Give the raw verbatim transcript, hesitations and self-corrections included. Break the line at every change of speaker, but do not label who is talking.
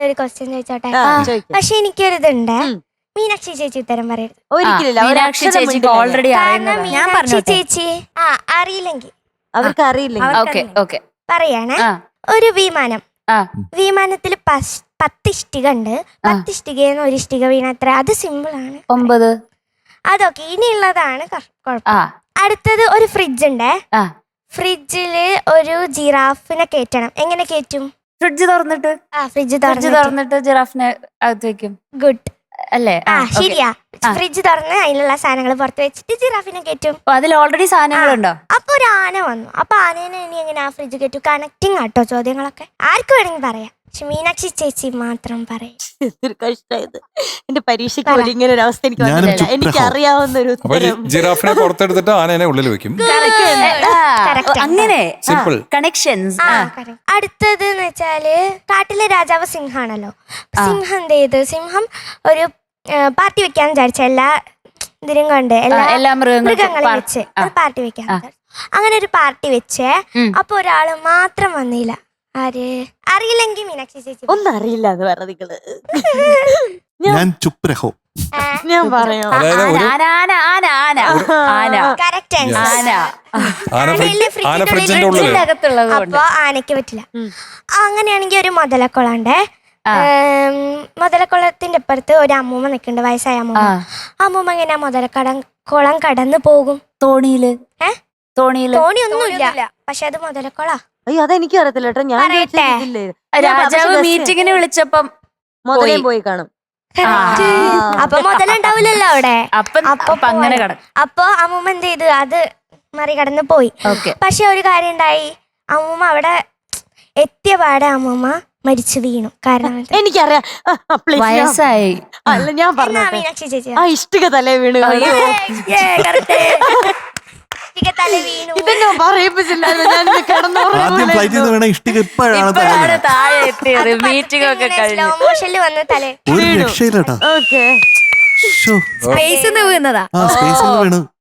ഒരു ക്വസ്റ്റ്യൻ ചോദിച്ചോട്ടെ? പക്ഷെ എനിക്കൊരിതുണ്ട്, മീനാക്ഷി ചേച്ചി ഉത്തരം പറയരുത്.
ഒരിക്കലില്ല,
മീനാക്ഷി ചേച്ചിക്ക് ഓൾറെഡി
കാരണം
ഞാൻ
മീനാക്ഷി ചേച്ചി ആ അറിയില്ലെങ്കിൽ
അവർക്ക് അറിയില്ലെങ്കിൽ
ഓക്കെ ഓക്കെ
പറയണേ. ഒരു വിമാനം, വിമാനത്തിൽ പത്ത് ഇഷ്ടിക ഉണ്ട്. പത്ത് ഇഷ്ടികന്ന് ഒരു ഇഷ്ടിക വീണത്ര, അത് സിമ്പിൾ ആണ്.
ഒമ്പത്.
അതൊക്കെ ഇനിയുള്ളതാണ് കുഴപ്പം. അടുത്തത് ഒരു ഫ്രിഡ്ജ് ഉണ്ട്. ഫ്രിഡ്ജില് ഒരു ജിറാഫിനെ കേറ്റണം. എങ്ങനെ കേറ്റും?
ഫ്രിഡ്ജ് തുറന്നിട്ട്.
ആ ഫ്രിഡ്ജ്
തുറന്നിട്ട് ജിറാഫിനെ അകത്ത് വെക്കും.
ഗുഡ്
അല്ലേ?
ആ ശരിയാ. ഫ്രിഡ്ജ് തുറന്ന് അതിലുള്ള സാധനങ്ങൾ പുറത്ത് വെച്ചിട്ട് ജിറാഫിനെ കേറ്റും.
അതിൽ ഓൾറെഡി സാധനങ്ങളുണ്ടോ?
അപ്പൊ ഒരു ആന വന്നു. അപ്പൊ ആനേനെ ഇനി എങ്ങനെ ആ ഫ്രിഡ്ജ് കേറ്റു? കണക്റ്റിംഗ് ആട്ടോ ചോദ്യങ്ങളൊക്കെ. ആർക്ക് വേണമെങ്കിൽ പറയാം, പക്ഷെ മീനാക്ഷി ചേച്ചി മാത്രം പറയും.
എന്തൊരു കഷ്ടമായത്. എന്റെ പരീക്ഷയ്ക്ക് പോലും ഇങ്ങനെ ഒരു അവസ്ഥ എനിക്ക് വന്നിട്ടില്ല. എനിക്ക് അറിയാവുന്ന ഒരു
ജിറാഫിനെ പുറത്തെടുത്തിട്ട് ആനേനെ ഉള്ളിൽ വെക്കും.
അങ്ങനെ
സിമ്പിൾ
കണക്ഷൻസ്.
അടുത്തത് എന്ന് വെച്ചാല് കാട്ടിലെ രാജാവ് സിംഹാണല്ലോ. സിംഹം എന്ത് ചെയ്ത്? സിംഹം ഒരു പാർട്ടി വെക്കാൻ വിചാരിച്ച എല്ലാ ഇതിനും കൊണ്ട് എല്ലാ മൃഗങ്ങളെ വെച്ച് ഒരു പാർട്ടി വെക്കാൻ. അങ്ങനെ ഒരു പാർട്ടി വെച്ചേ. അപ്പൊ ഒരാള് മാത്രം വന്നില്ല. ആര്? അറിയില്ലെങ്കിൽ മീനാക്ഷി ചേച്ചി.
ഒന്നും അറിയില്ല എന്ന് പറ നിങ്ങള്.
ഞാൻ ചുപ്പ് രഹോ.
ഞാൻ പറയാം.
അപ്പൊ ആനക്ക് പറ്റില്ല. അങ്ങനെയാണെങ്കിൽ ഒരു മുതലക്കുളണ്ട്. മുതലക്കുളത്തിന്റെ അപ്പുറത്ത് ഒരു അമ്മൂമ്മ നിൽക്കുന്നുണ്ട്, വയസ്സായ അമ്മൂമ്മ. അമ്മൂമ്മ എങ്ങനെയാ മുതലക്കട കുളം കടന്നു പോകും?
തോണിയില്.
ഏഹ് തോണി ഒന്നുമില്ല, പക്ഷെ അത് മുതലക്കുളാ.
അയ്യോ അതെനിക്ക് അറിയത്തില്ല കേട്ടോ. ഞാൻ
രാജാവ് മീറ്റിങ്ങിന് വിളിച്ചപ്പം
മുതലേ പോയി കാണും.
അപ്പൊ മുതലുണ്ടാവില്ലല്ലോ അവിടെ.
അപ്പൊ അങ്ങനെ കടന്നു.
അപ്പൊ അമ്മൂമ്മ എന്ത് ചെയ്തു? അത് മറികടന്ന് പോയി. പക്ഷെ ഒരു കാര്യം ഉണ്ടായി. അമ്മൂമ്മ അവിടെ എത്തിയ പാടെ അമ്മൂമ്മ മരിച്ചു വീണു. കാരണം
എനിക്കറിയാം,
വയസ്സായി.
അല്ല ഞാൻ പറഞ്ഞു,
മീനാക്ഷി ചേച്ചി
ആ ഇഷ്ടിക തലേ വീണ്. ഇതെന്നെ പറയിപ്പിച്ചില്ല.
ആദ്യം ഫ്ലൈറ്റിൽ നിന്ന് വേണം ഇഷ്ടിക, ഇപ്പോഴാണ്
താഴെ എത്തിയത്. മീറ്റിംഗ് ഒക്കെ കഴിഞ്ഞു.
വന്ന് തലേ
ഒരു രക്ഷയില്ലട്ടാ.
Okay
space വീണതാ.
ആ സ്പേസ് വീണു.